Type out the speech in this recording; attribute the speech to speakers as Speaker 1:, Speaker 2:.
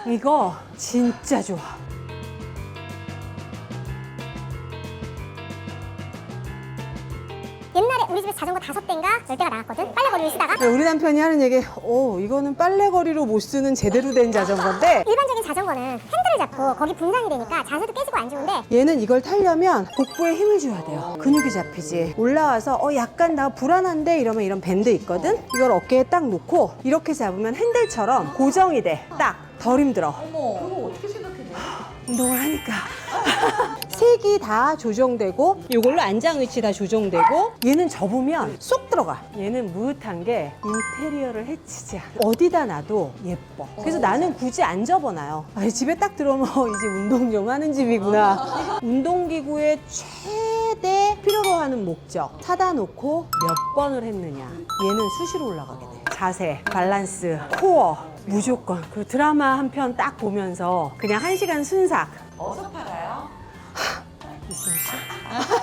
Speaker 1: 이거 진짜 좋아.
Speaker 2: 옛날에 우리 집에 자전거 5대인가 10대가 나왔거든? 빨래거리를 쓰다가.
Speaker 1: 우리 남편이 하는 얘기, 이거는 빨래거리로 못 쓰는 제대로 된 자전거인데
Speaker 2: 일반적인 자전거는 핸들을 잡고 거기 분산이 되니까 자세도 깨지고 안 좋은데
Speaker 1: 얘는 이걸 타려면 복부에 힘을 줘야 돼요. 근육이 잡히지. 올라와서 약간 나 불안한데 이러면 이런 밴드 있거든? 이걸 어깨에 딱 놓고 이렇게 잡으면 핸들처럼 고정이 돼. 딱. 덜 힘들어.
Speaker 3: 어머, 그거 어떻게 생각했냐?
Speaker 1: 운동을 하니까. 색이 다 조정되고 이걸로 안장 위치 다 조정되고 얘는 접으면 쏙 들어가. 얘는 무릇한 게 인테리어를 해치지 않아. 어디다 놔도 예뻐. 그래서 나는 굳이 안 접어놔요. 집에 딱 들어오면 이제 운동 좀 하는 집이구나. 운동기구의 최대 필요로 하는 목적 사다 놓고 몇 번을 했느냐. 얘는 수시로 올라가게 돼. 자세, 밸런스, 코어 무조건. 그 드라마 한 편 딱 보면서 그냥 1시간 순삭.
Speaker 3: 어디서 팔아요?
Speaker 1: 이승우 씨?